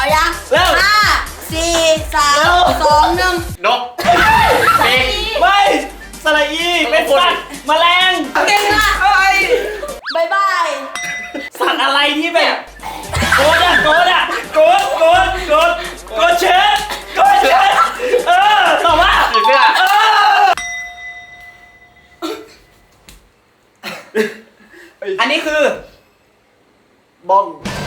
เอายังเริ่ม 5 4 3 2 1 นกเด็กไม่สระอีเป็นสัตว์แมลงเก่งอ่ะ บายบายสัตว์อะไรที่แบบโกดอะโกดอะโกดเชิดตอบว่าผีเสื้ออันนี้คือบ้อง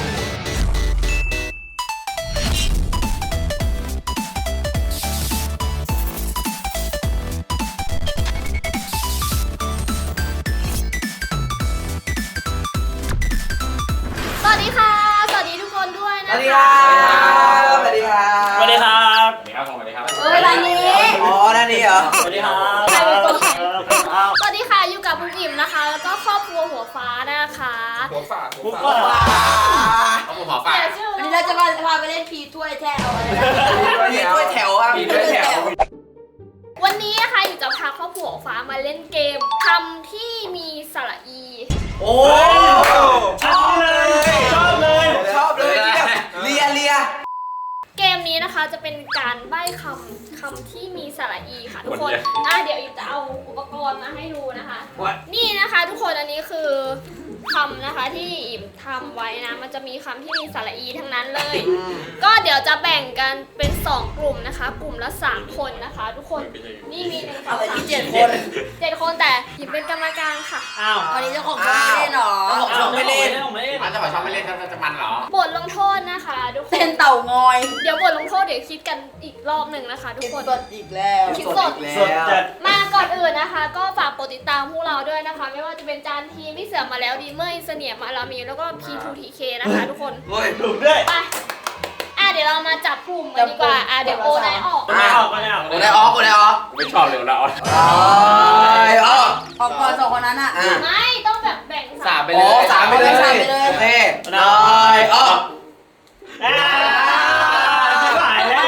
สวัสดีค่ะ สวัสดีทุกคนด้วยนะสวัสดีครับสวัสดีครับสวัสดีครับสวัสดีครับสวัสดีครับเอ้ยร้านนี้อ๋อนั่นนี่เหรอสวัสดีครับใครเป็นคนสวัสดีค่ะ อยู่กับคุณอิ่มนะคะ แล้วก็ครอบครัวหัวฟ้านะคะหัวฝ่าปุ๊บว่าเอาหัวฝ่าแต่ชื่อวันนี้เราจะพาไปเล่นพีถ้วยแท้เอาอะไรนะพีถ้วยแถวครับพีถ้วยแถววันนี้นะคะอยู่จะพาครอบครัวหัวฟ้ามาเล่นเกมคำที่มีสระอีโอ้ชอบเลยชอบเลยชอบเลยเลียเกมนี้นะคะจะเป็นการใบ้คำที่มีสระอีค่ะทุกคนเดี๋ยวอิ่มจะเอาอุปกรณ์มาให้ดูนะคะ นี่นะคะทุกคนอันนี้คือคำนะคะที่อิ่มทำไว้นะมันจะมีคำที่มีสระอีทั้งนั้นเลย ก็เดี๋ยวจะแบ่งกันเป็น 2 กลุ่มนะคะ กลุ่มละ 3 คนนะคะ ทุกคนนี่มี1 2 อะไรที่7 คน 7 คนแต่อิ่มเป็นกรรมการค่ะอ้าววันนี้เจ้าของช่องไม่เล่นหรอไม่เล่นไม่เล่นมันจะบอกชอบไม่เล่นจะมันเหรอบทลงโทษนะคะทุกคเต้นนเต่างอยเดี๋ยวบทลงโทษเดี๋ยวคิดกันอีกรอบหนึ่งนะคะ ทุกคนสดอีกแล้วคิดสดสดจัดมาก่อนอื่นนะคะ ก็ฝากกดติดตามพวกเราด้วยนะคะ ไม่ว่าจะเป็นจานทีมพี่เสือมาแล้วดีเมอร์เสนียมาลามีแล้วก็ P2TK นะคะทุกคนถูกด้วยไปเดี๋ยวเรามาจับกลุ่มกันดีกว่าเดี๋ยวโอนายออกไม่ออกไม่ออกกูได้ออกไม่ชอบเร็วแล้วออกก่อน2 คนนั้นอ่ะไม่ต้องแบบแบ่งสามไปเลยสามไปเลยโอเคได้ออกหายแล้ว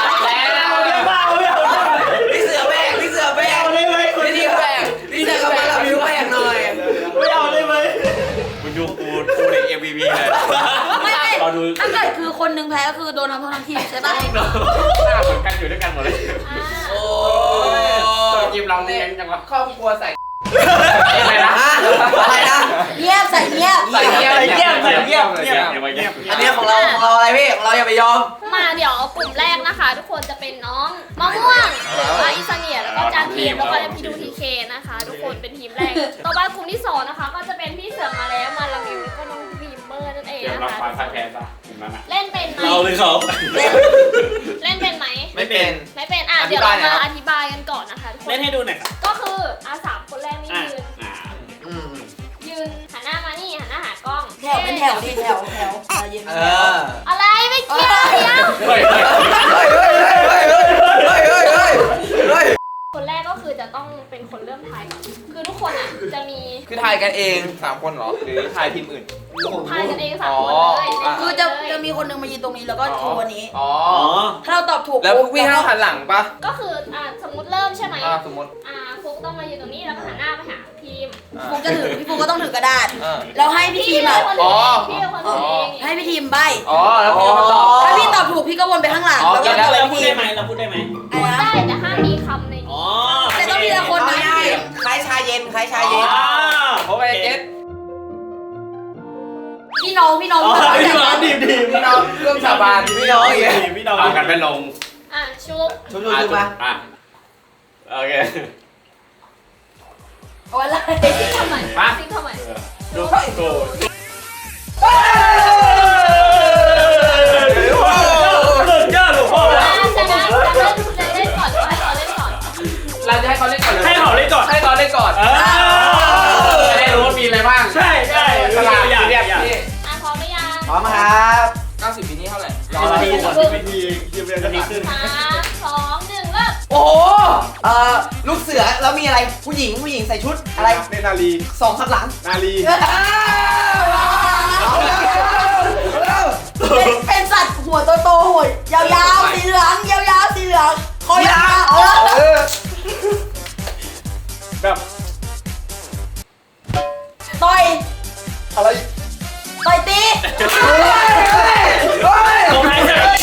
พี่เสือแบกไม่เอาได้ไหมพี่แบกเราบิวแบกหน่อยไม่เอาได้ไหมคุณดูกูใน MVP เลยไม่เราดูถ้าเกิดคือคนหนึ่งแพ้ก็คือโดนทำโทษทั้งทีมใช่ปะหน้าเหมือนกันอยู่ด้วยกันหมดเลยโอ้ยิมเราเลี้ยงจังวะครอบครัวใส่อะไรนะเงียบใส่เงียบใส่เงียบเงียบอันนี้ของเราอะไรพี่ของเราอย่าไปยอมมาเดี๋ยวกลุ่มแรกนะคะ ทุกคนจะเป็นน้องมะม่วงหรือว่าอิสเนียแล้วก็จานทีมแล้วก็P2TK นะคะ ทุกคนเป็นทีมแรก ต่อไปกลุ่มที่ 2 นะคะ ก็จะเป็นพี่เสือมาแล้วมาลามิวแล้วก็น้องวีมเมอร์นั่นเองเดี๋ยวนะรับคะความพ่ายแพ้ซะถึงนั้นอ่ะเล่นเป็นไหมเราหรือเขาเล่นเป็นไหมไม่เป็นไม่เป็นเดี๋ยวเรามาอธิบายกันก่อนนะคะทุกคนเล่นให้ดูหน่อยครับก็คือ3 คนแรกนี่ยืนหันหน้ามานี่หันหน้าหากล้องแถวเป็นแถวดิแถวยืนเอออะไรไม่เกี่ยวเดียวเฮ้ยคนแรกก็คือจะต้องเป็นคนเริ่มทายก่อนคือทุกคนอ่ะจะมีคือถ่ายกันเอง3คนเหรอหรือถ่ายทีมอื่นทายกันเอง3 คนเลยคือจะมีคนหนึ่งมายืนตรงนี้แล้วก็ชูอันนี้อ๋อถ้าเราตอบถูกแล้ววิ่งเข้าหันหลังปะก็คือสมมติเริ่มใช่ไหมสมมติฟุกต้องมายืนตรงนี้แล้วก็หันหน้าไปหาทีมฟุกจะถือพี่ฟุกก็ต้องถือกระดาษเออแล้วให้พี่ทีมเป็นอ่ะคนถือเองพี่เป็นคนถือเองให้พี่ทีมใบอ๋อแล้วพี่มาตอบถ้าพี่ตอบถูกพี่ก็วนไปข้างหลังอ๋อแล้วก็ตอบไปเราพูดพี่ทีได้มไหมเราพูดได้ไหมพูดได้แต่ห้ามมีคำในอ๋อนี้แต่ต้องทีละคนนะคล้ายชาเย็นคล้ายชาเย็นเพราะว่าเจ็ดพี่น้องพี่น้องดีพี่น้องร่วมสาบานพี่น้องอย่างเงี้ยพี่น้องเอากันไม่ลงชุบชุบมาโอเคเอาอะไรซิงทำไมซิงทำไมดูโกสุดยอดหลวงพ่อจะเล่นก่อนให้เขาเล่นก่อนเราจะให้เขาเล่นก่อนเลยให้เขาเล่นก่อนให้เขาเล่นก่อนจะได้รู้ว่ามีอะไรบ้างใช่ฉลาดอยากพร้อมไหมยังพร้อมครับ90ปีนี้เท่าไหร่ทียืมเรียนกันดีขึ้น 3 2 1เริ่มโอ้โหลูกเสือแล้วมีอะไรผู้หญิงใส่ชุดอะไรเนนาลี 2ข้างหลังนาลีเป็นสัตว์หัวโตๆหัวยาวๆสีเหลืองยาวๆสีเหลืองคอยาวแบบต่อยอะไรต่อยตีผมให้เสร็จ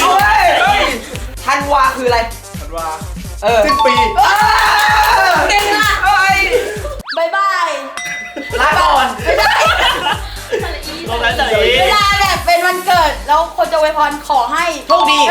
คนจะอวยพรขอให้โชคดี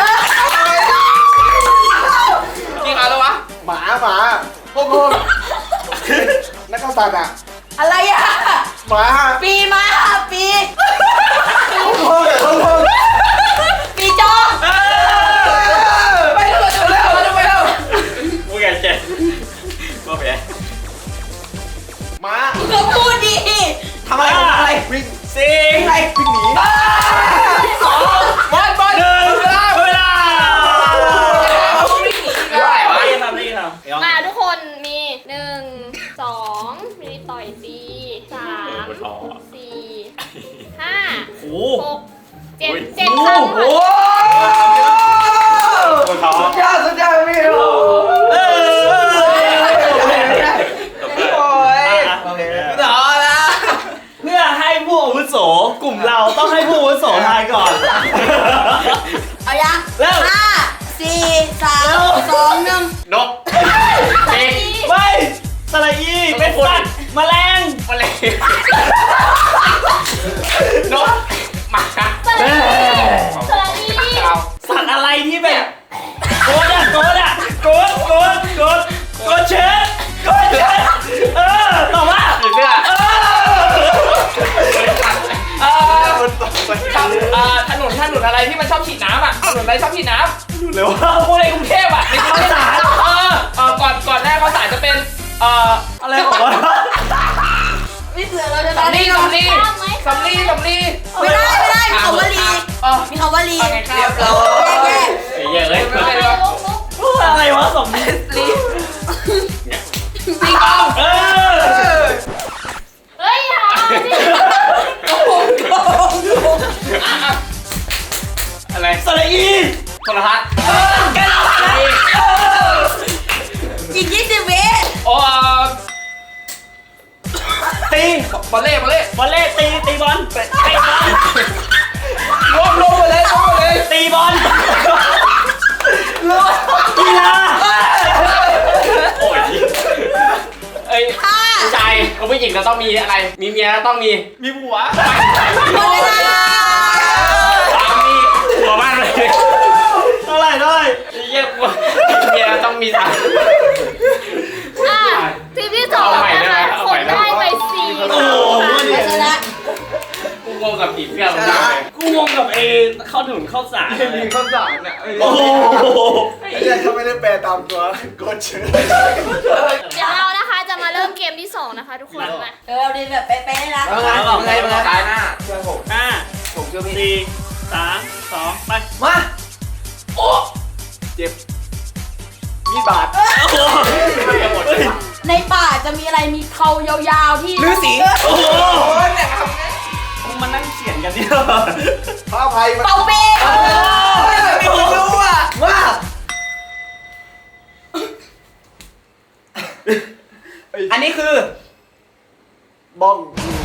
กี่ครั้งแล้ววะหมาพวกนักข่าวสารอ่ะอะไรอ่ะหมาปีมาปีพวกปีจอไปเร็วไปเร็วกูแกเจ็บก็ไปหมาก็พูดดีทำอะไรวิ่งสี่อะไรวิ่งหนีสองบอลหนึ่งเวลาไม่ได้วะนี่ทำนี่ทำมาทุกคนมี1 2มีต่อย4 3 4 5 โอ้ 6 7 คำโอ้ค่ะปวดท้องสุดยอดพี่โอ้เออโอ้ยโอเคต่อละเพื่อให้ผู้อาวุโสกลุ่มเราต้องให้ผู้อาวุโสทายก่อนๆเอายังเริ่ม 5 4 3 2 1 นกเป็ดไม่สระอีเป็นสัตว์แมลงแมลงนกหมาสระอีเราสัตว์อะไรที่แบบโกดเชิดเออตอบว่าผีเสื้อ ถนนอะไรที่มันชอบฉีดน้ำอ่ะถนนอะไรชอบฉีดน้ำหรือว่าพวกในกรุงเทพอ่ะในกรุงเทพก่อนหน้าข้าวสารจะเป็นอะไรของวะพี่เสือเราจะสำลีไม่ได้มีคำว่าลีมีคำว่าลีเรียบร้อยแยกเยอะเลยลุกอะไรวะสมนี้ตีกองเออเฮ้ยอย่าดิอะไรสระอีโทรทัศน์อีก20 วิโอ้ตีบอลเล่บอลเล่ตีบอลรวมหมดเลยตีบอลกีฬาโอ้ยเอ้ยผู้ชายกับผู้หญิงก็ต้องมีอะไร มีเมียแล้วต้องมีผัวหมดเวลาสามีผัวมากเลยเท่าไหร่เยี่ยมกว่ามีเมียแล้วต้องมีสามีทีมที่สองนะคะคนได้ไป4 โอ้โหชนะกูงงกับผีเสื้อมันมากเลยกูงงกับเข้าถึงเข้าสารมีข้าวสารเนี่ยโอ้โหไอ้เนี่ยเขาไม่ได้แปลตามตัวกดเชิญเดี๋ยวเรานะคะจะมาเริ่มเกมที่2นะคะทุกคนมาเราดีแบบเป๊ะๆนะเอาไงมาตายหน้าเชื่อผมห้าผมเชื่อพี่สี่3 2ไปมาเจ็บมีดบาดโอ้โหในป่าจะมีอะไรมีเขายาวๆที่ฤาษีโอ้โหแต่ทำไงมานั่งเขียนกันดิพระอภัยมันเป่าเป้ไม่รู้อ่ะมาอันนี้คือบ้อง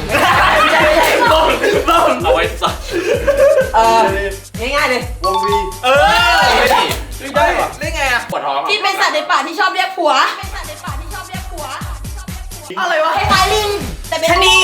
บ้องเอาไว้สัตว์ง่ายๆเลยวงวีเออไม่ได้หรอได้ไงอ่ะปวดท้องที่เป็นสัตว์ในป่าที่ชอบเรียกผัวอะไรวะคล้ายๆลิงแต่เป็นชะนี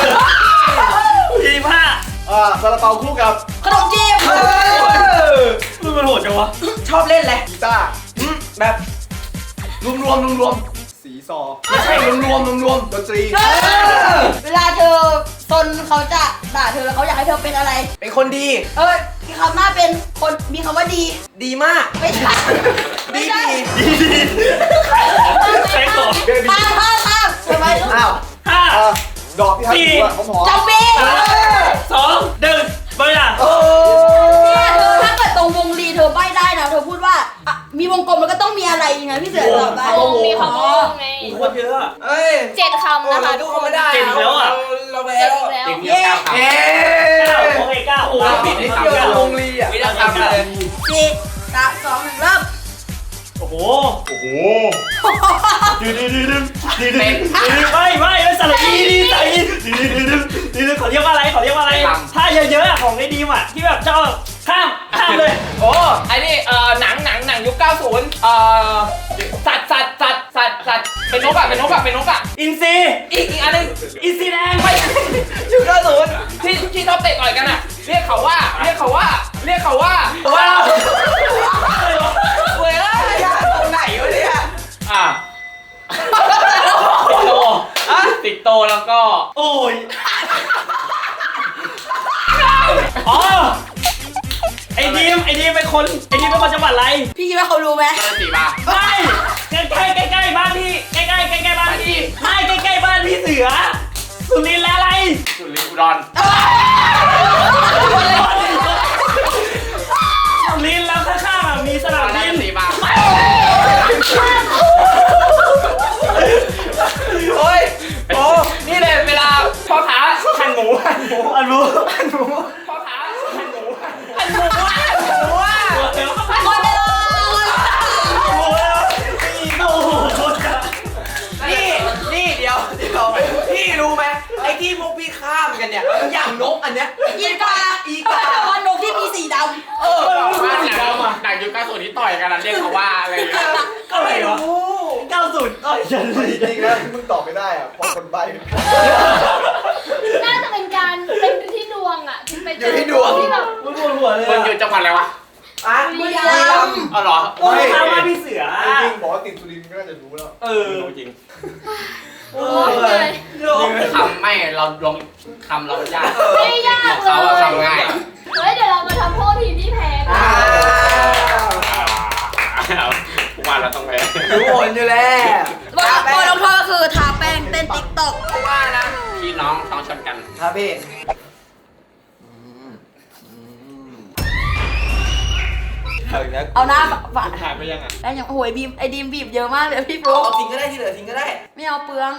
25 ซาลาเปาคู่กับขนมจีบมึงมันโหดจังวะชอบเล่นอะไรกีตาร์แบบรวมสีซอไม่ใช่รวมดนตรีเวลาเธอซนเขาจะด่าเธอแล้วเขาอยากให้เธอเป็นอะไรเป็นคนดีมีคำหน้าเป็นคนมีคำว่าดีดีมากไม่ใช่ไม่ใช่ใช้ของข้ามทำไมลูกอ้าวดอกที่ทัดหัวหอมจำปี 2 1ไปล่ะเนี่ยเธอถ้าเกิดตรงวงรีเธอใบ้ได้นะเธอพูดว่ามีวงกลมแล้วก็ต้องมีอะไรยังไงพี่เสือตอบได้วงมีคำว่า ไงโคตรเยอะอะเอ้ย 7 คำนะคะทุกคนเจ็ดอีกแล้วอ่ะเราแพ้เจ็ดแล้วอีกแล้วเด็กเมียเก้าครับโอเค9โอ้ปิดให้สามเกี่ยวกับวงลีอ่ะไม่ได้ทำเลยสี่สามสองหนึ่งเริ่มโอ้โหโอ้โหดึงไม่สระอีดีสระอีดึงขอเรียกว่าอะไรถ้าเยอะๆของไอ้ดีมอ่ะที่แบบชอบข้ามเลยโอ้ไอ้นี่หนังยุค 90สัตว์เป็นนกอ่ะอินซีอีกอันนึงอินซีแดงไม่ยุค 90ที่ชอบเตะต่อยกันอ่ะเรียกเขาว่าเรียกเขาว่าว้าวเว้ยยากตรงไหนวะเนี่ยอ่ะสิงโตสิงโตแล้วก็โอ้ยอ๋อไอ้ดีมเป็นคนจังหวัดอะไรพี่คิดว่าเขารู้ไหมเจอสีมาไม่ใกล้บ้านพี่ใกล้บ้านพี่ไม่ใกล้บ้านพี่เสือสุรินทร์และอะไรสุรินทร์อุดรสุรินทร์แล้วข้างๆอ่ะมีสนามได้บินสีมาโอ้ยโอ้นี่เลยเวลาพ่อค้าหั่นหมูอันรู้พ่อค้าหั่นหมูหั่นหมูอ่ะหมดเวลานี่เดี๋ยวพี่รู้ไหมไอ้ที่พวกพี่ข้ามกันเนี่ยอย่างนกอันเนี้ยอีกาแต่ว่านกที่มีสีดำเออบ้านหนังยุค90ที่ต่อยกันเรียกเขาว่าอะไรอย่างเงี้ยก็อะไรวะ90ฉันจริงๆนะมึงตอบไม่ได้อะเพราะคนใบ้น่าจะเป็นการเป็นที่ดวงอ่ะไปเจอที่แบบมึงปวดหัวเลยมันอยู่จังหวัดอะไรวะอ่ะบุรีรัมย์อ๋อเหรอโอ้ยทำมาพี่เสือจริงๆบอกว่าติดสุรินทร์ก็น่าจะรู้แล้วเออรู้จริงโอ้ยเลยคำไม่เราลงคำเรายากไม่ยากของเลเขาอะยคำง่ายเฮ้ยเดี๋ยวเรามาทำโทษทีมที่แพ้กันว่าเราต้องไปรู้ผลอยู่แล้วบทลงโทษก็คือทาแป้งเต้นติ๊กต็อกว่านะพี่น้องต้องชนกันครับพี่เอาหน้าฝาถ่ายไปยังอ่ะแล้วอย่างโอ้ยบีมไอ้ดีมบีบเยอะมากเลยพี่ฟเอาลุ๊กทิ้งก็ได้ที่เหลือทิ้งก็ได้ไม่เอาเปลือง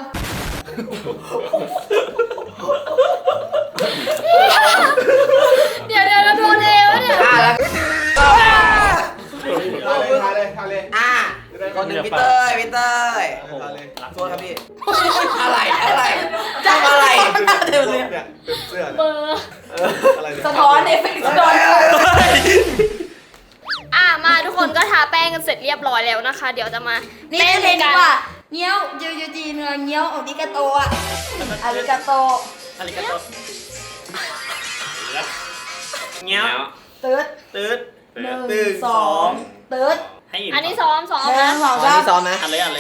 เดี๋ยวเราโดนเอวะเนี่ยแล้วทาเลยคนหนึ่งพี่เต้ยโทษครับพี่อะไรทำอะไรเดี๋ยวเลยเนี่ยเป็นเสื้อเบเนี่ยอร์อะไรเนี่ยสะท้อนเอฟเฟกต์สะท้อนมาทุกคนก็ทาแป้งกันเสร็จเรียบร้อยแล้วนะคะ เดี๋ยวจะมานี่เต้นเล่นกัดีนกว่าเงี้ยวยูจีเนื้อเงี้ยวอาริกาโตอ่ะอาริกาโตอะไรกันต่อเงี้ยตืดตืด 1 2ตืดให้อีกอันนี้ซ้อม 1 นะ 2 3 ซ้อมนะอันเลย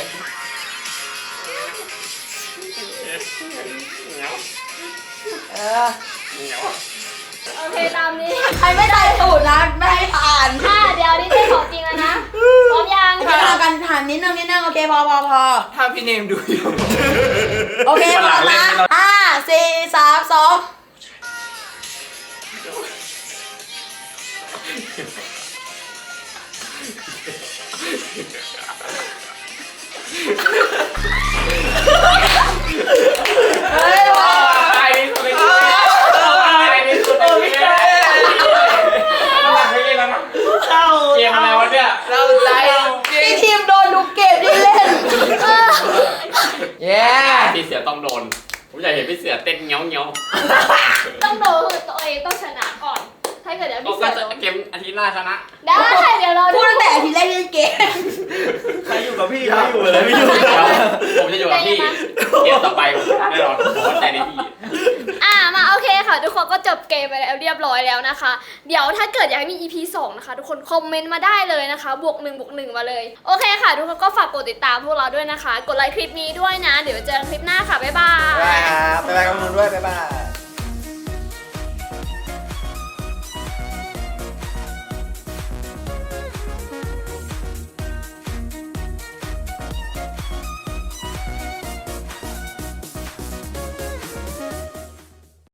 เออโอเคตามนี้ใครไม่ได้ตูดนะไม่ให้ผ่านเดี๋ยวนี่เต้นของจริงแล้วนะพร้อมยังโอเคเอากันผ่านนิดนึงโอเคพอถ้าพี่เนมดูอยู่โอเคพอนะ5 4 3 2เฮ้ยว่ะตายนี่สุดเลยตายนี่สุดเลยไม่ได้ไม่ได้แล้วนะเข้าเกมอะไรวะเนี่ยเราใจจริพี่งทีมโดนดูเกมที่เล่นเย้พี่เสือต้องโดนผมอยากเห็นพี่เสือเต้นเงี้ยวต้องโดนคือตัวเองต้องชนะก่อน ถ้าเกิดเดี๋ยวก็พี่เสือโดนเกมอาทิตย์หน้าชนะได้เดี๋ยวเราพูดตั้งแต่อาทีแรกที่เล่นเกมใครอยู่กับพี่ไม่อยู่เลยไม่อยู่ผมจะอยู่กับพี่เกมต่อไปผมชนะแน่นอนผมมั่นใจในพี่มาโอเคค่ะ ทุกคนก็จบเกมไปแล้วเรียบร้อยแล้วนะคะ เดี๋ยวถ้าเกิดอยากให้มี EP 2 นะคะ ทุกคนคอมเมนต์มาได้เลยนะคะบวก1 มาเลย โอเคค่ะ ทุกคนก็ฝากกดติดตามพวกเราด้วยนะคะ กดไลค์คลิปนี้ด้วยนะ เดี๋ยวเจอกันคลิปหน้าค่ะบ๊ายบายบ๊ายบายครับบ๊ายบายกับมึงด้วยบ๊ายบาย